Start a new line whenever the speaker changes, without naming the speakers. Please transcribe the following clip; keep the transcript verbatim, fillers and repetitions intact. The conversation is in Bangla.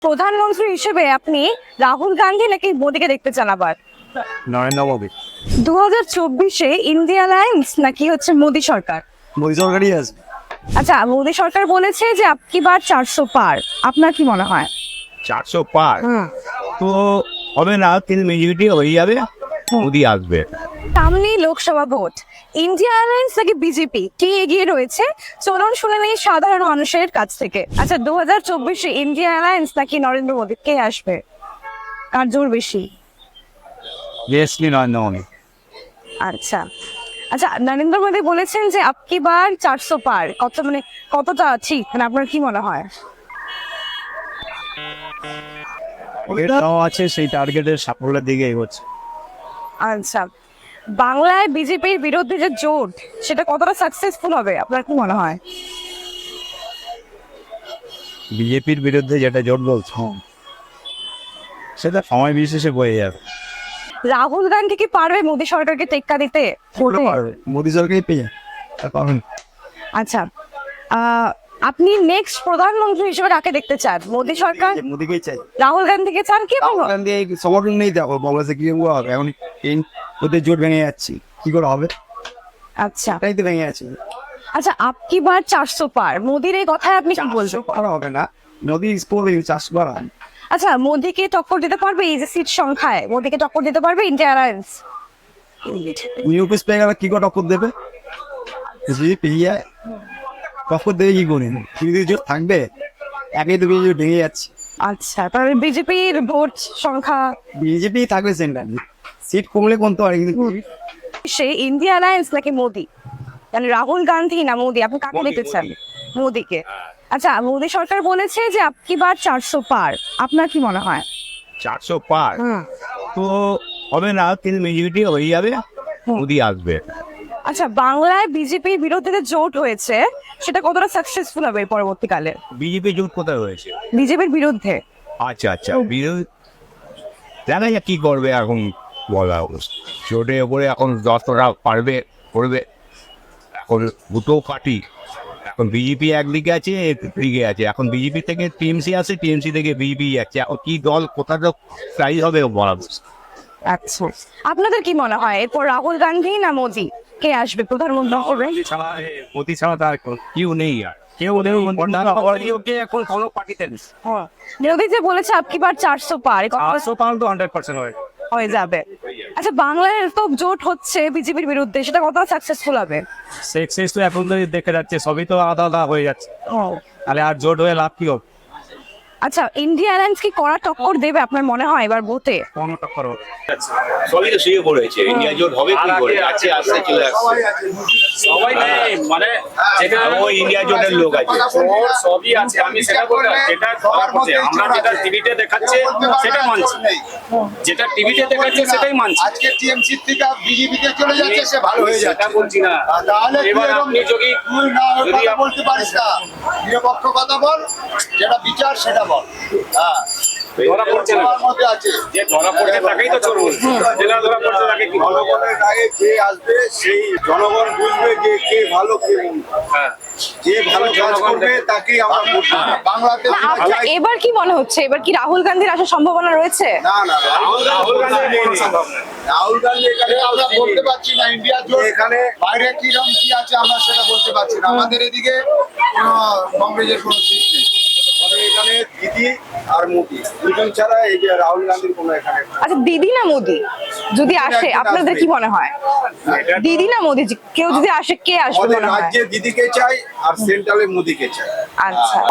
প্রধানমন্ত্রী হিসেবে আপনি রাহুল গান্ধী নাকি মোদীকে দেখতে চান আবার?
নরেন্দ্র মোদী।
দু হাজার চব্বিশে ইন্ডিয়া অ্যালায়েন্স নাকি হচ্ছে মোদী সরকার?
মোদী সরকারই আছে।
আচ্ছা, মোদী সরকার বলেছে যে আপকি বার চারশো পার, আপনার কি মনে হয়?
চারশো পার তো হবে না, কিন্তু মেজরিটি হয়ে যাবে, মোদী আসবে।
সামনেই লোকসভা ভোট, ইন্ডিয়া অ্যালায়েন্স নাকি বিজেপি কে এগিয়ে রয়েছে? চলুন শুনে নেই সাধারণ মানুষের কাছ থেকে। আচ্ছা, দু হাজার চব্বিশে ইন্ডিয়া অ্যালায়েন্স নাকি নরেন্দ্র মোদী, কে আসবে? কার জোর বেশি?
ইয়েসলি নরেন্দ্র মোদী।
আচ্ছা আচ্ছা নরেন্দ্র মোদী বলেছেন যে আপকি বার চারশো পার, কত মানে কতটা ঠিক, মানে আপনার কি মনে হয়?
এটাও আছে, সেই টার্গেটের সাফল্যের দিকে এগোচ্ছে।
আচ্ছা, বাংলায় বিজেপির বিরুদ্ধে যে জোট, সেটা কতটা সাকসেসফুল হবে আপনার কি মনে হয়?
বিজেপির বিরুদ্ধে যেটা জোট বলছ, সেটা সময় বিশেষে বয়ে যাবে।
রাহুল গান্ধী কি পারবে মোদী সরকারকে টেক্কা দিতে ভোটে?
মোদী সরকারই পেয়ে যাবে।
আচ্ছা, আহ, আপনি নেক্সট প্রধানমন্ত্রী হিসেবে কাকে দেখতে চান? মোদী সরকার,
মোদীকেই চাই।
রাহুল গান্ধীকে চান কি?
রাহুল গান্ধী এই সমর্থন নেই, দেখো বাংলাদেশে কি হবে এখন, এই ওদের জোট ভেঙে যাচ্ছে, কি করে হবে?
আচ্ছা
তাই তো ভেঙে যাচ্ছে।
আচ্ছা, আপকি বার চারশো পার, মোদীর এই কথায় আপনি কি বলছেন?
করা হবে না, মোদী পড়বে চাষ করা।
আচ্ছা, মোদীকে টক্কর দিতে পারবে এই যে সিট সংখ্যায়? মোদীকে টক্কর দিতে পারবে ইন্ডিয়া অ্যালায়েন্স?
ইউপিএস পেয়ে গেলে কি করে টক্কর দেবে? যদি পেয়ে যায় টক্কর দেবে কি করে? বিরোধী জোট থাকবে, একই তো বিরোধী জোট ভেঙে যাচ্ছে।
আচ্ছা, তাহলে বিজেপির ভোট সংখ্যা?
বিজেপি থাকবে সেন্টার, সিট কমলে কমতে পারে, কিন্তু
সে ইন্ডিয়া অ্যালায়েন্স নাকি মোদী, মানে রাহুল গান্ধী না মোদী, আপনি কাকে দেখতে চান? মোদীকে। আচ্ছা, মোদী সরকার বলেছে যে আপকি বার চারশো পার, আপনার কি মনে হয়?
চারশো পার তো হবে না, কিন্তু মেজরিটি হয়ে যাবে, মোদী আসবে।
আচ্ছা, বাংলায় বিজেপির বিরুদ্ধে যে জোট হয়েছে, সেটা কতটা সাকসেসফুল হবে পরবর্তীকালে?
বিজেপি জোট কোথায় হয়েছে?
বিজেপির বিরুদ্ধে।
আচ্ছা আচ্ছা, বিরোধী দেখা যাক কি করবে এখন, বলা অবস্থা জোটের ওপরে এখন যতটা পারবে করবে। এখন দুটো পার্টি, এখন বিজেপি একদিকে আছে, একদিকে আছে। এখন বিজেপি থেকে টিএমসি আছে, টিএমসি থেকে বিজেপি যাচ্ছে। এখন কি দল কোথাটা প্রাইজ হবে বলা মুশকিল।
আচ্ছা, আপনাদের কি মনে হয় এরপর রাহুল গান্ধী না মোদী, কে আসবে প্রধানমন্ত্রী হবে?
মোদী ছাড়া তার কেউ নেই, আর কেউ নেই এখন কোনো পার্টিতে নেই।
মোদী যে বলেছে আপকি বার চারশো পার, এই কথা
আটশো পাউন্ড তো হান্ড্রেড পার্সেন্ট হয়
হয়ে যাবে। আচ্ছা, বাংলায় তো জোট হচ্ছে বিজেপির বিরুদ্ধে, সেটা কতটা সাকসেসফুল হবে?
সেক্সেস তো এখন তো দেখে যাচ্ছে, সবই তো আলাদা আলাদা হয়ে যাচ্ছে, তাহলে আর জোট হয়ে লাভ কি হবে?
আচ্ছা, ইন্ডিয়া অ্যালায়েন্স কি কড়া টক্কর দেবে আপনার মনে হয় এবার ভোটে?
কোনো টক্কর হবে?
সবই তো শুয়ে পড়েছে, ইন্ডিয়া জোট হবে কি করে? আছে আসতে চলে আসছে
সবাই নেই, মানে যেটা
ওই ইন্ডিয়া জোটের লোক আছে।
ওর সবই আছে, আমি সেটা বললাম। যেটা ধরা পড়ছে, আমরা যেটা টিভিতে দেখাচ্ছে সেটা মানছি, যেটা টিভিতে দেখাচ্ছে সেটাই মানছি।
আজকে টিএমসি থেকে বিজেপিতে চলে যাচ্ছে, সে ভালো হয়ে
সেটা
যাচ্ছে।
বলছি না।
আর তাহলে তুই
এবার
এরকম
আপনি যদি
তুই না ওই
যদি
কথা
আপ-
বলতে পারিস না, নিরপেক্ষ কথা বল, যেটা বিচার সেটা বল। হ্যাঁ,
ধরা পড়ছে না,
তোমার মধ্যে আছে।
যে ধরা পড়ছে তাকেই তো চোর বলছে, যেটা ধরা পড়ছে তাকে কি বলবো?
জনগণের আগে যে আসবে, সেই জনগণ বুঝবে যে কে ভালো কে মন্দ।
হ্যাঁ,
যে ভালো কাজ করবে তাকেই আমরা ভোট দেব। বাংলাতে
না,
আমরা
আপনার
চাই-
এবার কি মনে হচ্ছে, এবার কি রাহুল গান্ধীর আসার সম্ভাবনা রয়েছে?
না না
রাহুল রাহুল গান্ধী নেই সম্ভব না।
রাহুল গান্ধী এখানে আমরা বলতে পারছি না, ইন্ডিয়া জোট এখানে বাইরে কিরকম কি আছে আমরা সেটা বলতে পারছি না। আমাদের এদিকে কোনো কংগ্রেসের কোনো সিট নেই, আমাদের এখানে দিদি আর মোদি দুজন ছাড়া এই যে রাহুল গান্ধীর কোনো এখানে
আচ্ছা, দিদি না মোদী যদি আসে,
একজন
আপনাদের
আসবে।
কি মনে হয়? দিদি না মোদী, কেউ যদি আসে কে আসবে
আমাদের
মনে হয়?
রাজ্যে দিদিকে চাই আর সেন্ট্রালে মোদিকে চাই।
আচ্ছা।